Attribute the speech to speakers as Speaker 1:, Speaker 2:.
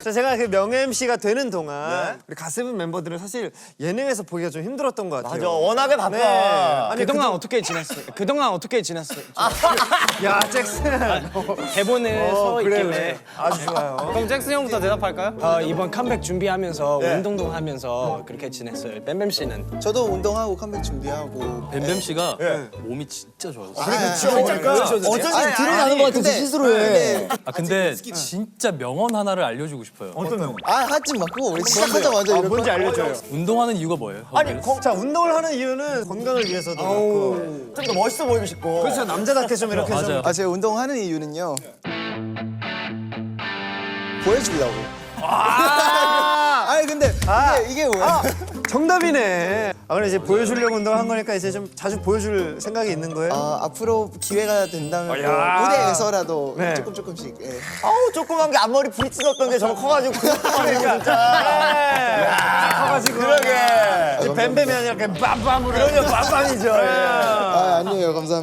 Speaker 1: 자, 제가 그 명예 MC가 되는 동안 우리 가세븐 멤버들은 사실 예능에서 보기가 좀 힘들었던 것 같아요.
Speaker 2: 맞아, 워낙에 바빠.
Speaker 1: 아니,
Speaker 3: 그동안 어떻게 지냈어요? 그동안 어떻게 지냈어요?
Speaker 1: 야, 잭슨.
Speaker 3: 대본에 서
Speaker 1: 그래,
Speaker 3: 있길래.
Speaker 1: 그래. 아주 좋아요.
Speaker 3: 그럼 잭슨 형부터 대답할까요? 이번 컴백 준비하면서 운동도 하면서 그렇게 지냈어요. 뱀뱀 씨는?
Speaker 4: 저도 운동하고 컴백 준비하고.
Speaker 5: 뱀뱀 씨가 몸이 진짜 좋아요.
Speaker 2: 어쩐지 드러나는 것 같아서 스스로 해.
Speaker 5: 아 근데 진짜 명언 하나를 알려주고 싶어요.
Speaker 1: 어떤 명언?
Speaker 4: 하지 말고 우리 시작하자마자 이럴
Speaker 1: 뭔지
Speaker 4: 거.
Speaker 1: 알려줘요.
Speaker 5: 운동하는 이유가 뭐예요?
Speaker 1: 아니, 자, 운동을 하는 이유는 건강을 위해서도 그렇고.
Speaker 2: 좀 더 멋있어 보이고 싶고.
Speaker 1: 그렇죠, 남자답게 좀 이렇게
Speaker 5: 맞아요.
Speaker 1: 좀.
Speaker 4: 제가 운동하는 이유는요. 보여주려고. 아니 근데 이게 뭐야?
Speaker 1: 정답이네. 그럼 이제 보여주려고 운동한 거니까 이제 좀 자주 보여줄 생각이 있는 거예요?
Speaker 4: 앞으로 기회가 된다면 뭐
Speaker 1: 야.
Speaker 4: 무대에서라도
Speaker 1: 네.
Speaker 4: 조금씩. 예.
Speaker 2: 아우, 조그만 게 앞머리 불 찢었던 게 저거 커가지고 그러니까 진짜.
Speaker 1: 커가지고.
Speaker 2: 그러게.
Speaker 1: 뱀뱀이 아니라 그냥 빰빰으로.
Speaker 2: 그러면 빰빰이죠.
Speaker 4: 아니에요, 감사합니다.